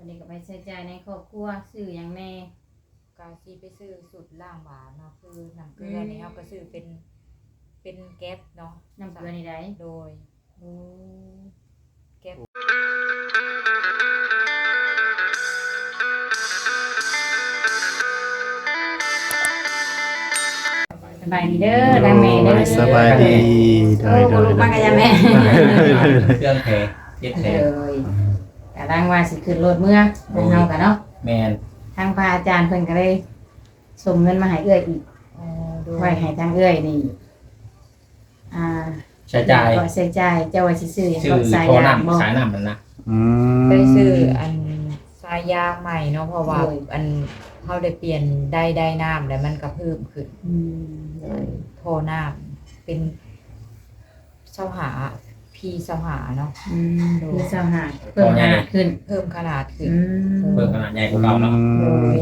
วันนี้ก็ไปใช้จ่ายในครอบครัวซื้อหยังแน่กาซีไปซื้อสุดล่างหวานเนาะคือน้ำเกลือนี่เขาก็ซื้อเป็นแก๊สเนาะน้ำเกลือนี่ได้โดยโอ้แก๊สสบายดีเด้อทางแม่เด้อสบายดีโอ้บ่รู้มากันยังแม่เครื่องแพเจ็ดแพเลยกะดังว่าสิขึ้นรถเมื่อของเฮากันเนาะแมนทางพระอาจารย์เพิ่นก็เลยส่งเงินมาให้เอื้อยอีกโดยไว้ให้ทางเอื้อยนี่ใช้จ่ายก็ใช้จ่ายเจ้าว่าสิซื้อหยังชื่อก็สายโทรยางบ่นำสายนำมันนะไปซื้ออันสายยางใหม่เนาะเพราะว่าโดยอันเขาได้เปลี่ยนได้น้ำแล้วมันก็เพิ่มขึ้นอืมโทรน้ำเป็นเสาหาพีเสาหาเนาะคือเจ้าหาเพิ่มขนาดขึ้นเพิ่มขนาดขึ้นเพิ่มขนาดใหญ่กว่าเก่าเนาะโดย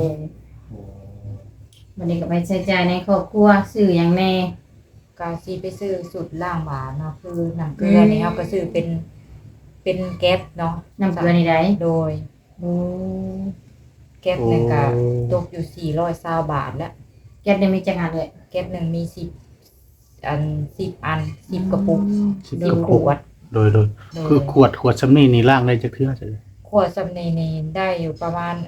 วันนี้ก็ไปใช้จ่ายในครอบครัวซื้อหยังแน่กาซีไปซื้อสุดล่างหวานเนาะคือน้ำเกลือนี่เขาก็ซื้อเป็นแก๊สเนาะน้ำเกลือนี่ได้โดยโอ้แก๊สเนี่ยก็ตกอยู่420 บาทแล้วแก๊สได้มีจักอันเลยแก๊สหนึ่งมี10 อัน10 กระปุกสิบ 10 กระขปุกวดโดยโดยคือขวดซ้ำนี่ล่างได้จักเทื่อใช่ไหมขวดสำเนีนี่ได้อยู่ประมาณ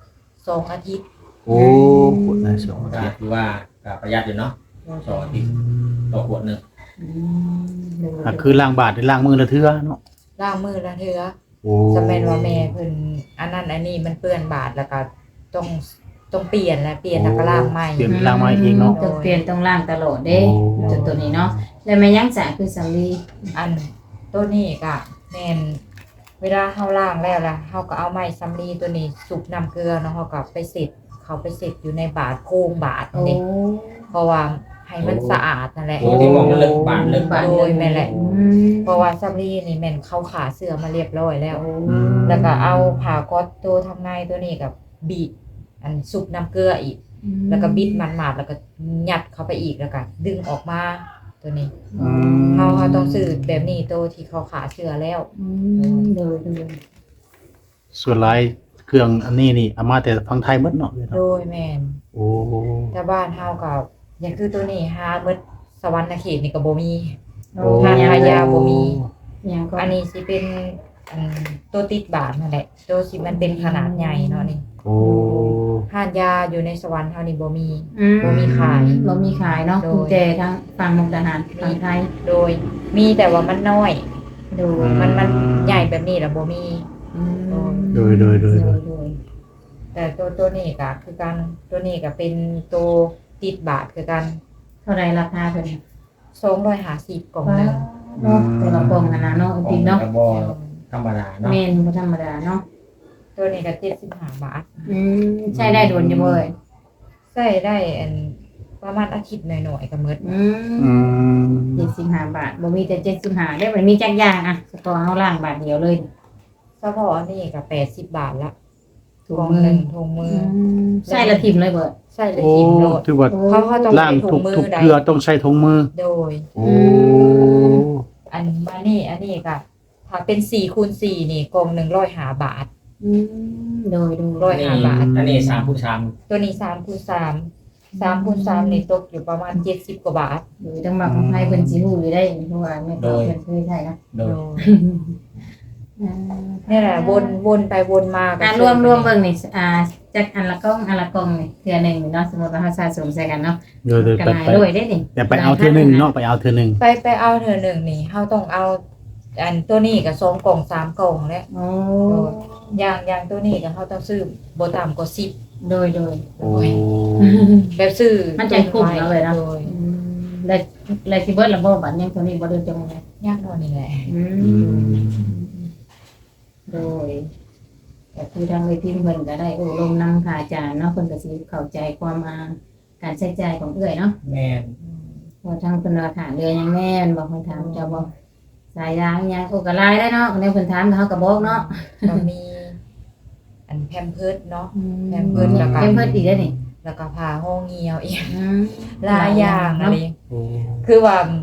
2 อาทิตย์โอ้ขวดได้สองก็คือว่าก็ประหยัดอยู่เนาะต่อที่ต่อขวดหนึ่งคือล่างบาทได้ล่างมือละเทื่อเนาะล้างมือละเทื่อโอ้จำเป็นว่าแม่เพิ่นอันนั้นอันนี้มันเปื้อนบาดแล้วก็ต้องเปลี่ยนแล้วก็ล้างใหม่เปลี่ยนล่างมาเองเนาะต้องเปลี่ยนต้องล่างตลอดเด้โอ้ตัวนี้เนาะแล้วแม่ยังจะคือสำลีอันตัวนี้ก็แม่นเวลาเฮาล้างแล้วล่ะเฮาก็เอาไม้สำลีตัวนี้สุกน้ำเกลือเนาะเฮาก็ไปเสร็จอยู่ในบาดโพรงบาดโอ้นี่เพราะว่าให้มันสะอาดนั่นแหละโอ้ที่มองมันเลิกบาทเลิกโดยแม่นแหละอืมเพราะว่าสำลีนี่แม่นเข้าขาเสื้อมาเรียบร้อยแล้วโอ้แล้วก็เอาผ้าก๊อซตัวทางในตัวนี้กับบีบอันสุกน้ำเกลืออีก แล้วก็บิดมันมาดแล้วก็ยัดเข้าไปอีกแล้วก็ดึงออกมาตัวนี้อืมเขาต้องซื้อแบบนี้ตัวที่เขาขาเชื้อแล้วโดยส่วนหลายเครื่องอันนี้นี่เอามาแต่ฟังไทยหมดเนาะโดยแมนโอ้แต่บ้านเฮากับอย่างคือตัวนี้หาเบิดสวรรค์เขตนี่ก็บ่มีโอ้ทานพายาบ่มียังก็อันนี้สิเป็นอันตัวติดบาทนั่นแหละตัวสิมันเป็นขนาดใหญ่เนาะนี่โอ้ทานยาอยู่ในสวรรค์เฮานี่บ่มีบ่มีขายบ่มีขายเนาะโดยกุญแจทางฝั่งมุกดาหารฝั่งไทยโดยมีแต่ว่ามันน้อยโดยมันใหญ่แบบนี้แล้วบ่มีโดยโดยแต่ตัวนี้ก็คือกันตัวนี้ก็เป็นตัวติดบาทคือกันเท่าไรราคาเพิ่น 250กล่องหนึงเนาะตัวละกล่องนะเนาะจริงเนาะกระบอกธรรมดาเนาะแม่นบ่ธรรมดาเนาะตัวนี้ก็75 บาทใช้ได้โดนอยู่บ่เอ่ยใส่ได้อันประมาณอาทิตย์หน่อยๆก็หมดอืม 75 บาทบ่มีแต่75ได้บ่มีจักอย่างอ่ะเฉพาะเฮาล้างบาทเดียวเลยเฉพาะอันนี้ก็80 บาทละถุกล่งองมืหอนึ่งถุงมือใส่ละทิ่มเลยเบิดใส่เลยโอ้ทิมโลดถือว่าเขาต้องล่างใส่ถุทุงกมือทุกใดเกลือต้องใช้ถุงมือโดยโอ้อันอันนี้ก็ถ้าเป็น4x4นี่กล่องหนึ่ง105 บาทโดย 105 บาทอันนี้3 x ตัวนี้3x3 นี่ตกอยู่ประมาณ70 กว่าบาทโดยต้องมาของไทยเพิ่นสิฮู้อยู่ได้เพราะว่าแม่ก็เพิ่นเคยใช้นะ 3โดยนี่แหละวนไปวนมาการรวมเบิ่งนี่จักอันละกล่องนี่เทื่อหนึงเนาะสมมุติว่าเฮาสะสมใส่กันเนาะโดยกันไปหลายด้วยได้นี่แต่ไปเอาเทื่อหนึงเนาะไปเอาเทื่อหนึงไปเอาเธอหนึ่งนี่เขาต้องเอาอันตัวนี้กับ2 กล่อง3 กล่องแล้วโอ้อย่างตัวนี้ก็เขาต้องซื้อบ่ต่ำกว่า10 โดยโอ้แบบซื้อมันจะคุ้มเนาะเลยเนาะโดยแล้วสิเบิดละบ่บัดยังตัวนี้บ่ได้จังได๋ย่างนอนนี่แหละโดยแต่คือทางเวทีเพิ่นก็ได้อบรมนำค่ะอาจารย์เนาะเพิ่นก็สิเข้าใจความการใช้จ่ายของเอื้อยเนาะแม่นพอทางเพิ่นว่าถามเรือยังแม่นบอกเพิ่นถามเจ้าบ่สายยางยังโอ้ก็หลายได้เนาะเพิ่นถามเขาก็บอกเนาะก็มีอันแพมเพิร์สเนาะ แพมเพิร์สแล้วก็แพมเพิร์สอีกแล้วนี่แล้วก็ผ้าห้องเหี่ยวอีกอืมหลายอย่างอะไรโอ้คือว่า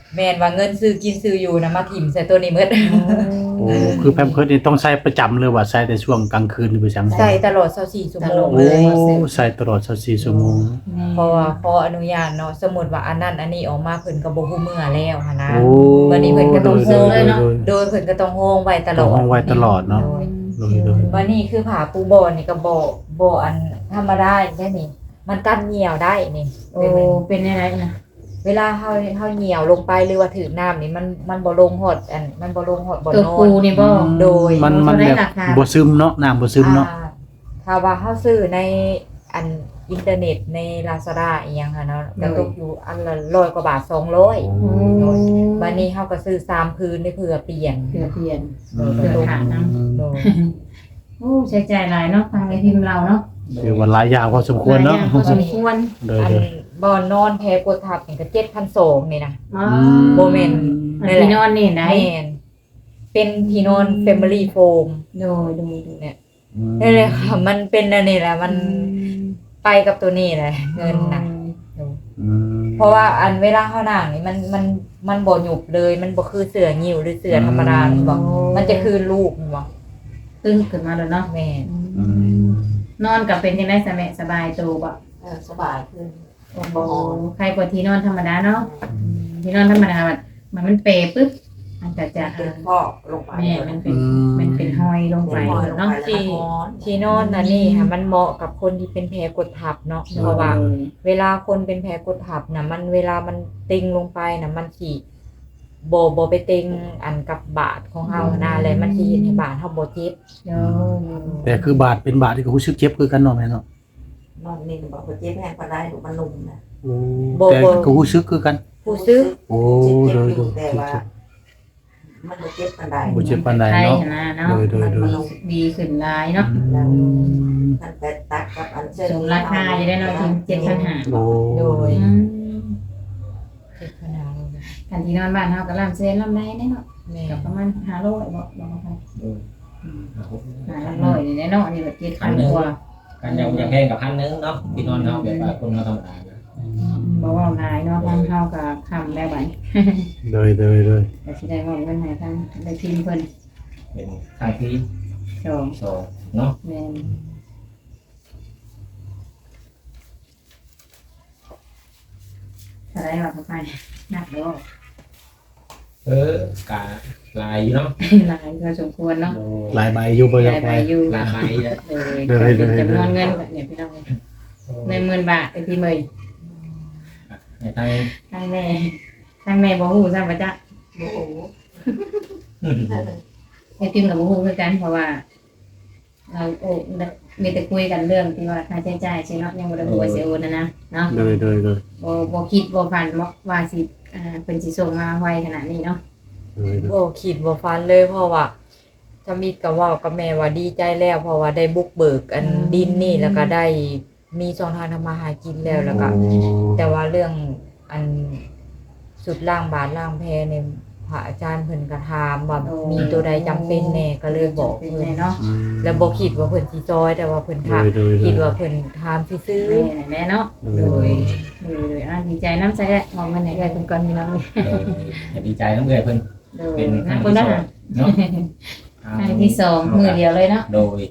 แม่นว่าเงินซื้อกินซื้ออยู่นะมาถิ่มใส่ตัวนี้หมดโอ้คือแพมเพิร์สนี่ต้องใช้ประจำเลยว่าใช้แต่ช่วงกลางคืนหรือไปจังใส่ตลอด24ชั่วโมงโอ้ใช้ตลอด24ชั่วโมงเพราะว่าขออนุญาตเนาะสมมุติว่าอันนั้นอันนี้ออกมาเพิ่นก็บ่ฮู้เมื่อแล้วหันนะโอ้วันนี้เพิ่นก็ต้องซื้อเลยเนาะโดยโดยเพิ่นก็ต้องโฮงไว้ตลต้อองดห้องไว้ตลอดเนาะ โดยวันนี้คือผ้าปูบ่อนี่ก็บ่อันธรรมดาได้นี่ มันกันเหนียวได้นี่โอ้เป็นอะไรนะเวลาเฮาเหนียวลงไปหรือว่าถือน้ำนี่มันบ่ลงหดอันมันบ่ลงหดบ่ตัวนอปูนนี่บ่โดยมันเขาได้แบบราคาบ่ซึมเนาะน้ำบ่ซึมเนาะถ้าว่าเฮาซื้อในอันอินเทอร์เน็ตใน Lazada อีหยังค่ะเนาะก็ตกอยู่อันละ100กว่าบาท200 โอ้บัดนี้เฮาก็ซื้อ3พื้นได้เผื่อเปลี่ยนเพื่อเปลี่ยนอืมเพื่อขาดน้โดยโอ้ใช้จ่ายหลายเนาะทางในพิมพ์เราเนาะคือว่าหลายอย่างพอสมควรเนาะหลยอย่งพอสมควรโดยอันโดยบ่อนอนแพ้กดทับนี่ก็7,200นี่นะอ๋อโมเมนต์อันที่นอนนี่ได้แม่นเป็นที่นอน Family Foam โดยเนี่ยนี่เลยค่ะมันเป็นอันนี้แหละมันไปกับตัวนี้แหละเงินนะอืมเพราะว่าอันเวลาเฮานั่งนี่มันบ่หยุบเลยมันบ่คือเสืองิ้วหรือเสือธรรมดามันบ่มันจะคือลูกมันบ่ตึ้งขึ้นมาแล้วเนาะแม่นอืมนอนกับเป็นยังไงสบายตัวบ่สบายขึ้นโอ้โหใครกว่าที่นอนธรรมดาเนาะที่นอนธรรมดามันเปปุ๊บมันก็จะเป็นพอกลงไปแม่มันเป็นห้อยลงไปลงไปลงเนาะไปแล้วก็ร้อนที่นอนน่ะนี่ค่ะมันเหมาะกับคนที่เป็นแผลกดทับเนาะเพราะว่า เวลาคนเป็นแผลกดทับน่ะมันเวลามันเต็งลงไปน่ะมันสิบ่ไปเต็งอันกับบาดของเฮานะแล้วมันสิเฮ็ดให้บาดเฮาบ่เจ็บเดี๋ยวแต่คือบาดเป็นบาดที่ก็รู้สึกเจ็บคือกันเนาะแม่เนาะนอนนิ่งบอกว่าเจ็บแห้งปานใดหนูมันนุ่มนะแต่ก็รู้สึกคือกันผู้ซื้อโอ้เจ็บโดยอโดยู่ยแต่ว่า มันบ่เจ็บปานใดบ่เจ็บปานใดใช่เนาะนะเนาะโดยโดยโดยดีขึ้นหลายเนาะมันแต่ตักกับอันเชิญสมราคาอยู่ได้เนาะถึง7,500 โอ้โดยอืมเจ็บขนาดนั้นเลยกันที่นอนบ้านเฮาก็ลำเซนลำได้เนาะแม่ก็ประมาณ500บ่บ่ครับโดย 500นี่เนาะนี่ก็7,000กว่ากันยังแพงกับ1,000เนาะที่นอนเฮาแบบว่าคนเฮาธรรมดานะบ่ว่าหลายเนาะทางเฮาก็ค้ำได้บัดโดยโดยโดยก็สิได้มอบเงินให้ทางได้ทีมเพิ่นเป็นทางที่สอง 2เนาะแม่นอะไรวะพ่อไปนักเด้อกะลายอยู่เนาะหลายพอสมควรเนาะหลายใบอยู่บ่หอยาลาก ยไปใบอยู่ลายแล้วเลยเป็นจำนวนเงินก็เนี่ยพี่น้อง10,000 บาทไอ้พี่เมย์ในทางทางแม่บ่ฮู้ซ้ำว่าจ๊ะโอ้โหไอ้ทีมกับบ่ฮู้คือกันเพราะว่า เรามีแต่คุยกันเรื่องที่ว่าค่าใช้จ่ายใช่เนาะยังบ่ได้ฮู้ว่าสิโอนนะเนาะโดยโดยโดยบ่คิดบ่ฝันว่าสิเป็นสิส่งมาไวขนาดนี้เนาะโดยโดยบ่คิดบ่ฝันเลยเพราะว่าถ้ามีก็เว้ากับแม่ว่าดีใจแล้ว เพราะว่าได้บุกเบิกอันดินนี่แล้วก็ได้มีช่องทางทำมาหากินแล้วแล้วก็ แต่ว่าเรื่องอันสุดล่างบาทล่างแพเนี่ยพระอาจารย์เพิ่นก็ถามว่ามีตัวใดจำเป็นแน่ก็เลยบอกเป็นเพิ่ไงนเนาะแล้วบ่คิดว่าเพิ่นสิซอยแต่ว่าเพิ่นถามโดยโดยคิดว่าเพิ่นถามซื่อแม่เนาะโดยดีใจน้ำใจแหละมองมันให้ได้เพิ่นก่อนพี่น้องดีใจน้ำเกลือเพิ่นโดยเป็นครั้งคนที่ละ 2เนาะครั้งที่2มื้อเดียวเลยเนาะโดย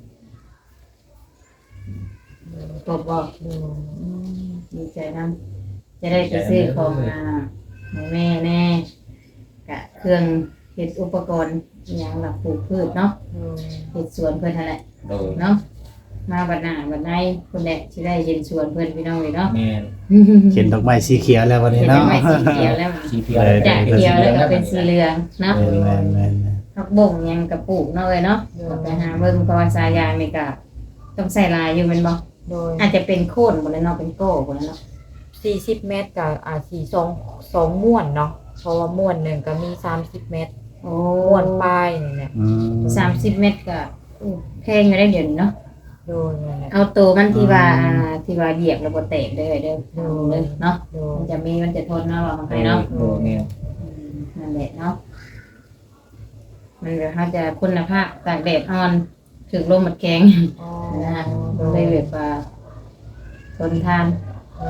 ตบบ่ดีใจน้ำจะได้ไปซื้อของให้แม่แน่กะเครื่องเฮ็ดอุปกรณ์อหยังหลักปลูกพืชเนาะๆเฮ็ดสวนเพิ่นนั่นแหละโดยเนาะมาบัดหน้าบัดในคนแหละสิได้เห็นสวนเพิ่นพี่น้องเลยเนาะแม่นเขียนดอกไม้สีเขียวแล้ววันนี้เห็นเนาะไม้สีเขียวแล้วสีเขียวจากเขียวแล้วก็เป็นสีเหลืองเนาะแม่นแม่นแม่นผักบ่งหยังกระปลูกเนาะเอ้ยเนาะก็ไปหาเบิ่งเพราะว่าสายยางนี่ก็ต้องใส่ลายอยู่แม่นบ่โดยอาจจะเป็นโคนบ่แล้วเนาะเป็นโก้บ่แล้วเนาะ 40 เมตรก็อาจสิ2ม้วนเนาะเพราะว่าม้วนหนึงก็มี30 เมตรโอ้ม้วนปลายนี่แหละอืม 30 เมตรก็แพงอยู่ได้เดี๋ยวนี้เนาะโดยนั่นแหละเอาตัวมันที่ว่าเหยียบแล้วบ่แตกเด้อเด้อเนาะโดยมันจะทนเนาะว่ามันไปเนาะโดยแม่นนั่นแหละเนาะมันแบบเขาจะคุณภาพตากแดดอ่อนถึงลมหมดแข็งอ๋อนะเลยแบบว่าทนทานเออ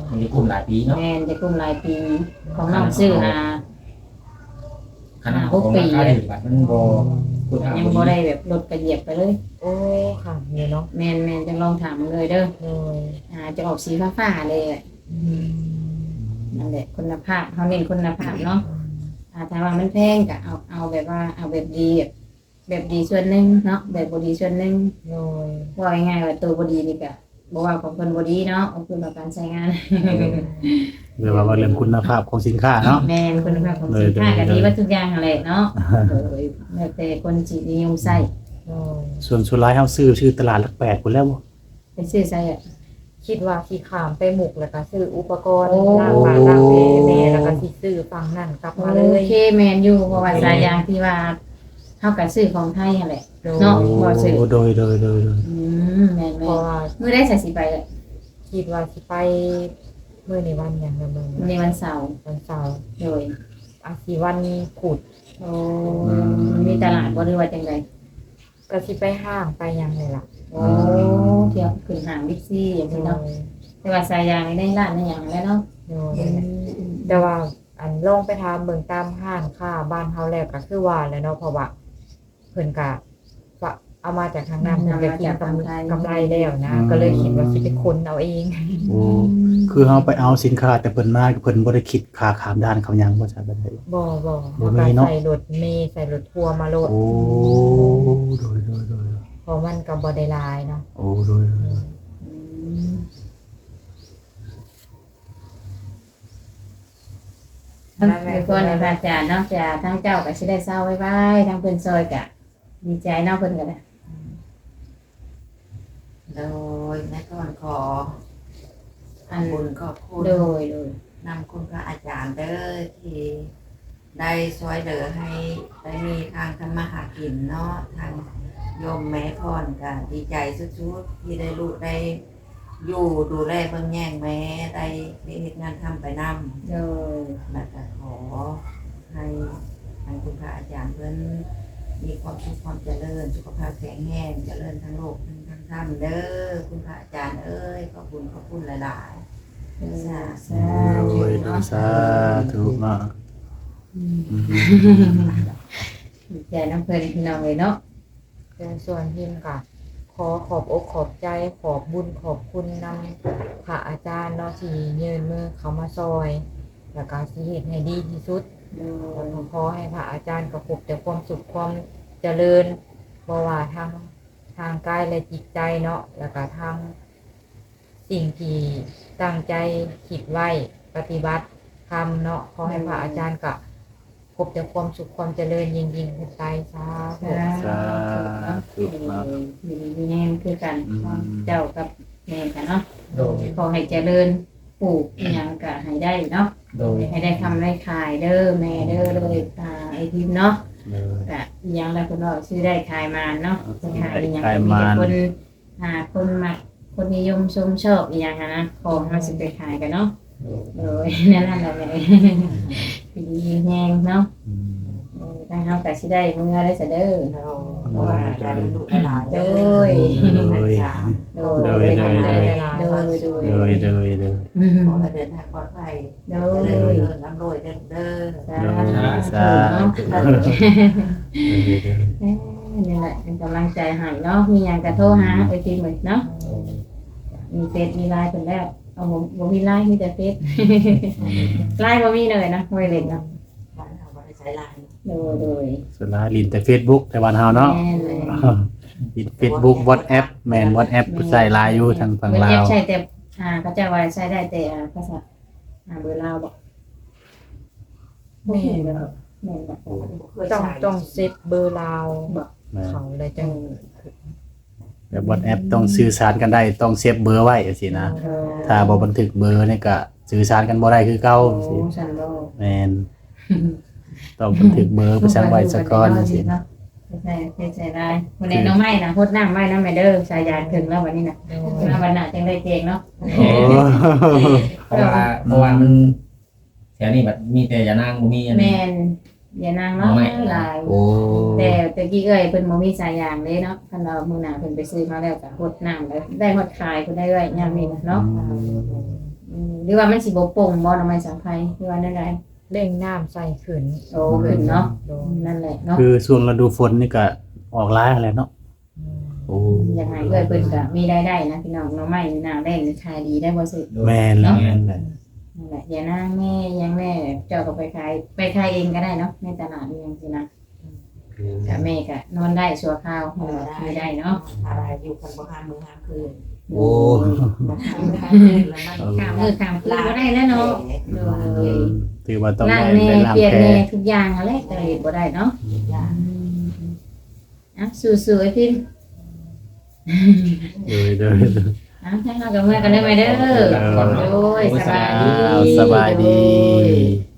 มันมีกลุ่มหลายปีเนาะแม่นจะกลุ่มรายปีของน้องซื้อหาขนาดของราคาถือบัตรมันบ่คุณภาพยังบ่บ่ดีได้แบบลดกระเหยียบไปเลยโอ้ค่ะนี่เนาะแม่นจังลองถามเลยเด้อโดยจะออกสีฟ้าๆเลยอะอืมนั่นแหละคุณภาพเขาเน้นคุณภาพเนาะถ้าว่ามันแพงก็เอาแบบว่าเอาแบบดีแบบดีส่วนหนึงเนาะแบบบ่ดีส่วนหนึงโดยว่าง่ายๆว่าตัวบ่ดีนี่ก็บ่ว่าของเพิ่นบ่ดีเนาะเอาขึ้นมาการใช้งานหรือว่าเรื่องคุณภาพของสินค้าเนาะแม่นคุณภาพของสินค้าก็ดีว่าทุกอย่างนั่นแหละเนาะแล้วแต่คนสินิยมใช้โดยส่วนสุดท้ายเฮาซื้อชื่อตลาดหลักแปดพุ่นแล้วบ่ไปซื้อใช้อ่ะคิดว่าสิขามไปหมุกแล้วก็ซื้ออุปกรณ์โอ้ล้างปากล้างแม่แล้วก็สิซื้อฝั่งนั่นกลับมาเลโอย เคแม่นอยู่เพราะว่าสายยางที่ว่าเฮาก็ซื้อของไทยนั่นแหละโดยเนาะ บ่ซื้อโดยแม่นเพราะว่ามื้อได้ใส่สิไปอ่ะคิดว่าสิไปมื้อในวันหยังละมื้อในวันเสาร์วันเสาร์โดยอาสิวันพุธโอ้มีตลาดบ่หรือว่าจังไดก็สิไปห้างไปหยังเลยล่ะโอ้เที่ยวขึ้นห้างบิ๊กซีอย่างโดนี้ยเนาะแต่ว่าสายยางนี่ได้ร้านได้หยังแล้วเนาะโดยแต่ว่าอันลองไปถามเบิ่งตามห้างค้าบ้านเฮาแล้วก็คือว่าแหล้วเนาะเพราะว่าเพิ่นก็ว่าเอามาจากทางนั้นเพิ่นก็กินกำไรแล้วนะ ก็เลยคิดว่าสิไปค้นเอาเองโอ้คือเฮาไปเอาสินค้าแต่เพิ่นมาเพิ่นบ่ได้คิดค่าข้ามด้านเขาหยังบ่ใช่บัดนี้บ่บ่แล้วมีก็เนาะใส่รถเมล์ใส่รถทัวร์มาโลดโอ้โดยเพราะมันก็บ่ได้หลายเนาะโอ้โดยทั้งทุกคนในพระอาจารย์เนาะจะทั้งเจ้าก็สิได้เศร้าไว้ไว้ทั้งเพิ่นซอยก็ดีใจเนาะเพิ่นก็ได้โดยแม่ก่อนขออันบุญขอบคุณโดยนำคุณพระอาจารย์เด้อที่ได้ช่วยเหลือให้ได้มีทางทำมาหากินเนาะทางโยมแม่พรก็ดีใจสุดๆที่ได้ลูกได้อยู่ดูแลเบิ่งแย่งแม่ได้เฮ็ดงานทำไปนำโดยแล้วก็ขอให้ทางคุณพระอาจารย์เพิ่นมีความสุขความเจริญสุขภาพแข็งแรงเจริญทั้งโลกทั้งธรรมเด้อคุณพระอาจารย์เอ้ยขอบคุณหลายๆสาโดธุยเนาะสาธุเนาะดีใจน้ำเพิ่นพี่น้องเลยเนาะแต่ส่วนพิมก็ขอขอบอกขอบใจขอบบุญขอบคุณนำพระอาจารย์เนาะที่ยืนมือเขามาซอย แล้วก็สิเฮ็ดให้ดีที่สุด แล้วก็ขอให้พระอาจารย์ประพบแต่ความสุขความเจริญบ่ว่าทางกายและจิตใจเนาะแล้วก็ทางสิ่งที่ตั้งใจคิดไว้ปฏิบัติทำเนาะขอให้พระอาจารย์ก็พบแต่ความสุขความเจริญยิ่งขึ้นไปสาธุสาธุเนาะอยู่ดีแน่คือกันเจ้ากับแม่กันเนาะโดยขอให้เจริญปลูกอหยังก็ให้ได้เนาะโดยให้ได้ทำได้ขายเด้อแม่เด้อเลยไอทิมเนาะเลยก็อหยังแล้วคนว่าชื่อได้ขายมาเนาะจะขายอหยังขายก็มีมาแต่คนคนมาคนนิยมชมชอบอหยังนะของมาสิไปขายกันเนาะโดยนั่นแหละแม่ดีแฮงเนาะทางเฮาก็สิได้มื้อได้ซะเด้อเพราะว่าได้ลูกหลานโดย โดยโดยโดยโดยเลยขอให้เดินทางปลอดภัยโดเดิยนร่ำรวยเด้อเด้อสาธุเนาะนี่แหละเป็นกำลังใจให้เนาะมีหยังก็โทรหาไอทีเหมือนเนาะมีเฟซมีไลน์เพิ่นแล้วเอาบ่มีไลน์มีแต่เฟซไลน์บ่มีเลยนะไว้เล่นเนาะบ้านเราบ่ได้ใช้ไลน์โดยสุดท้ายลินแต่ Facebook แต่วันเฮาเนาะแม่นเลยลิน Facebook WhatsApp แม่น WhatsApp ใส่ไลน์อยู่ทางฝั่งลาวใช่แต่เขาจะว่าใช้ได้แต่ภาษาเบอร์ลาวบ่แม่นบ่แม่นบ่เคยต้องใช้ต้องเซฟเบอร์ลาวแม่นเขาเลยจังแบบ WhatsApp ต้องสื่อสารกันได้ต้องเซฟเบอร์ไว้จังซี่นะถ้าบ่บันทึกเบอร์นี่ก็สื่อสารกันบ่ได้คือเก่าจังซี่ฉันบ่แม่นต้องบันทึกเบอร์ไปสั่งไว้ซะก่อนจังซี่ใช่ได้วันนี้น้องไม้นะพดน้ำไว้น้ำไม่เด้อสายยานถึงแล้ววันนี้นะมาวันหน้าจังได้เจงเนาะโอ้เพราะว่ามันแถวนี้แบบมีแต่ยานางบ่มีอันแมนี้นอย่านางเนาะหลายโอ้แต่ตะกี้เอ้ยเพิ่นบ่มีสายยางเลยเนาะคันเรามื้อหน้าเพิ่นไปซื้อมาแล้วก็พดน้ำแล้วได้หมดขายเพิ่นได้ไว้ยามนี้เนาะหรือว่ามันสิบ่โป่งบ่หน่อไม้สังไพรหรือว่านั่นใดเร่งน้ำใส่ขึ้นโอ้ขึ้นเนาะโดยนั่นแหละเนาะคือช่วงฤดูฝนนี่ก็ออกหลายแหละเนาะโอ้ยังไงเอ้ยเพิ่นก็มีรายได้นะพี่น้องหน่อไม้หน้าแรงนี่ขายดีได้บ่สิแม่นแล้วแม่นเลยนั่นแหละอย่านางแม่ยังแม่เจ้าก็ไปขายเองก็ได้เนาะในตลาดนี่จังซี่นะก็แม่ก็นอนได้ชั่วคราวไม่ได้เนาะอะไรอยู่กันบ่ห้ามมื้อห้ามคืนโอ้บ่ห้ามมื้อห้ามคืนแล้วมันข้ามมือข้ามคืนบ่ได้แล้วเนาะถือว่าต้องล้างได้แน่ได้ล้างเปลี่ยนแผลแน่ทุกอย่างอะไรแต่เฮ็ดบ่ได้เนาะอย่างอ่ะสู้ๆไอ้พิมเด้ออ่ะให้เรากับเมื่อกันได้ไหมเด้อโอ้ยสบายดีสบายดี